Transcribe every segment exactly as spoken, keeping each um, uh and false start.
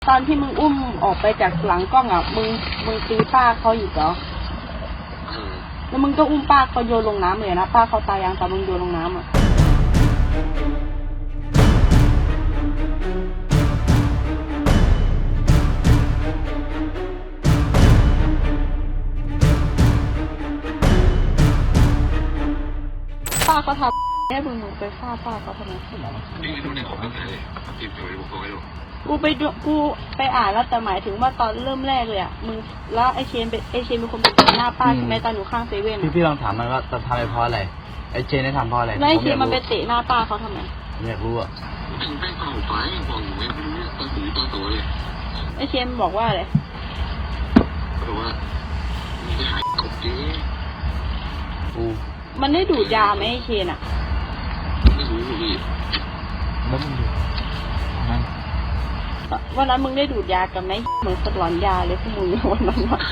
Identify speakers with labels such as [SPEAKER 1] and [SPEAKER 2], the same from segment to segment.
[SPEAKER 1] ตอนที่มึงอุ้มออกไปจากหลังกล้องอ่ะมึงมึงตีป้าเขาอยู่เหรอแล้วมึงก็อุ้มป้าเขาโยนลงน้ำเลยนะป้าเขาตายยังตอนมึงโยนลงน้ำอ่ะป้าเขาทำให้มึงมึงไปฆ่าป้าเขาทำไม
[SPEAKER 2] นี่ดูในของเรื่องอะไรติดอยู่ในบุคคลอยู่
[SPEAKER 1] กูไปดูกูไปอ่านแล้วแต่หมายถึงว่าตอนเริ่มแรกเลยอ่ะมึงแล้วไอเชนเป็นไอเชนเป็นคนไปเตะหน้าป้าใช่ไหมตอนอยู่ข้างเซเว่น
[SPEAKER 3] พี่พี่ลองถามมันว่าจะทำไปเพราะอะไรไอเชนได้ทำเพราะอะไร
[SPEAKER 1] แล้วไอเชนมันไปเตะหน้าป้าเขาทำไม
[SPEAKER 3] ผมอยากรู้อ่ะ
[SPEAKER 2] เป็นแป้งเปล่าไปบอกอยู่ไม่รู้ตาสีตาโตเลย
[SPEAKER 1] ไอเชนบอกว่าอะไร
[SPEAKER 2] บอกว่ามึงไปหากบดิ
[SPEAKER 3] กู
[SPEAKER 1] มันได้ดูดยาไหมไอเชนอ่ะ
[SPEAKER 2] ไม่รู้พี่
[SPEAKER 3] แล้วมึงดูนั่น
[SPEAKER 1] วันนั้นมึงได้ดูดยากันไหมเหมือนสลอนยาเลยพวกมึงวันนั้นวะ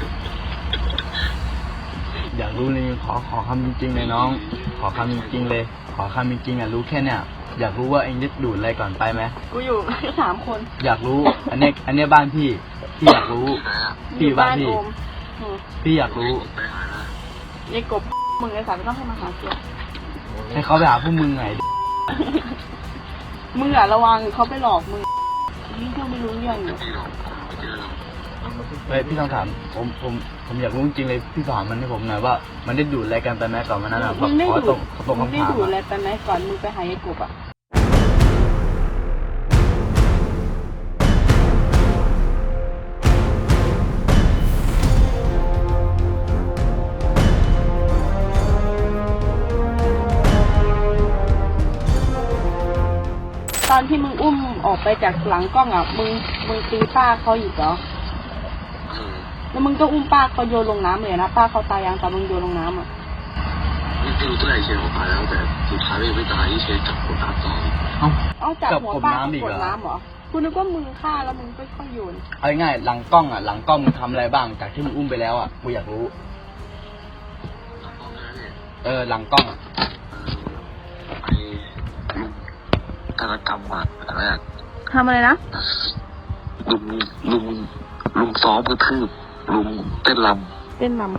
[SPEAKER 3] อยากรู้เลยขอขอคำจริงๆเลยน้องขอคำจริงๆเลยขอคำจริงๆอ่ะรู้แค่เนี้ยอยากรู้ว่าเองได้ดูดอะไรก่อนไปไหม
[SPEAKER 1] กูอยู่สามคน
[SPEAKER 3] อยากรู้อันนี้อันนี้บ้านพี่พี่อยากรู้พี่บ้านพี่พี่อยากรู้
[SPEAKER 1] ไอ้กบมึงไอ้สารไม่ต้องให้มาหาเสีย
[SPEAKER 3] ให้เขาไปหาพวกมึงไง
[SPEAKER 1] มึงอ่ะระวังเขาไปหลอกมึงนี่เขาไม่รู้เรื่องอยู่
[SPEAKER 3] เฮ้ยพี่ต้องถามผมผมผมอยากรู้จริงเลยพี่ถามมันให้ผมหน่อยว่ามันได้ดูดอะไรกันไปไหมก่อนมันนั่นอ่ะ
[SPEAKER 1] มึงได้ดูดมึงได้ดูดอะไร
[SPEAKER 3] ไป
[SPEAKER 1] ไหมก่อนมึงไปหาไอ้กบอ่ะตอนที่มึงอุ้มออกไปจากหลังกล้องอ่ะมึงมึงตีป้าเขาอยู่เหรอแล้วมึงก็อุ้มป้าเขาโยนลงน้ำเลยนะป้าเขาตายยังตอนมึงโยนลงน้ำอ่ะ
[SPEAKER 2] ไม่รู้ตัวไอเชนเขาตายแล้วแต่สุดท้ายไม่ตายที่เชนจับหัวน้ำต่อ
[SPEAKER 1] เอาเอาจับหัวป้าเขากดน้ำเหรอคุณนึกว่ามึงฆ่าแล้วมึงค่อยๆโยน
[SPEAKER 3] เอาง่ายหลังกล้องอ่ะหลังกล้องมึงทำอะไรบ้างจากที่มึงอุ้มไปแล้วอ่ะกูอยากรู้เออหลังกล้อง
[SPEAKER 2] ไอธนกรรมอ่ะอะไรอ่ะ
[SPEAKER 1] ทำอะไรนะ
[SPEAKER 2] ลุงลุงลุงซ้อมกระทืบลุงเต้นร
[SPEAKER 1] ำเต้นรำ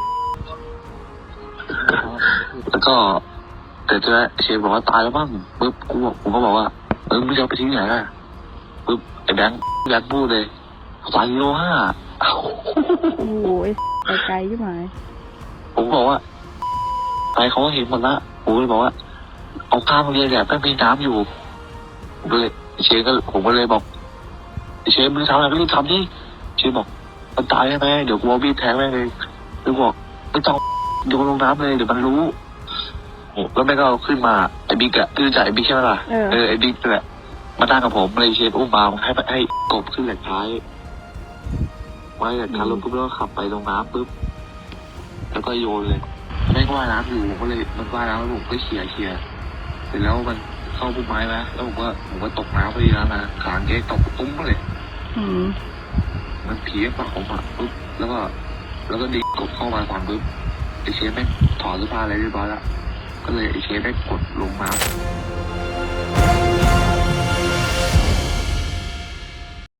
[SPEAKER 2] แล้วก็แต่เจ้าเชฟบอกว่าตายแล้วบ้างปึ๊บกูบอกกูก็บอกว่าเออไม่จะไปทิ้งไหนอ่ะปึ๊บไอ้แบงค์แบงค์พูดเลยสายโลห้า
[SPEAKER 1] โอ้ยไปไกลใช่ไหม
[SPEAKER 2] ผมบอกว่าไปเขาก็เห็นหมดละผมเลยบอกว่าเอาข้ามเรียนเนี่ยแม่งมีน้ำอยู่เลยเชฟก็ผมก็เลยบอกเชฟมึงทำอะไรก็รีบทำดิเชฟบอกมันตายใช่ไหมเดี๋ยวกูเอาบีบแทงแม่งเลยแล้วบอกไม่ต้องโยนลงน้ำเลยเดี๋ยวมันรู้โอ้แล้วแม่ก็เอาขึ้นมาไอ้บิ๊กอะคือจ่ายไอ้บิ๊กใช่ไหมล่ะเออไอ้บิ๊กแหละมาตั้งกับผมเลยเชฟอุ้มมาให้ให้กบขึ้นแหลกท้ายไว้แหลกท้ายรถปุ๊บแล้วขับไปลงน้ำปุ๊บแล้วก็โยนเลยแม่งว่ายน้ำอยู่ผมก็เลยมันว่ายน้ำแล้วผมก็เขี่ยเขี่ยเสร็จแล้วมันเข้าพุ่มไม้ไหมแล้วผมก็ผมก็ตกน้ำพอดีแล้วนะขางเก๊ตกตุ้มเลย
[SPEAKER 1] อืม
[SPEAKER 2] มันผีปากผมอ่ะปุ๊บแล้วก็แล้วก็ดีกดเข้ามาฟังปุ๊บไอเชฟแม่งถอดเสื้อผ้าอะไรเรียบร้อยแล้วก็เลยไอเชฟได้กดลงน้ำ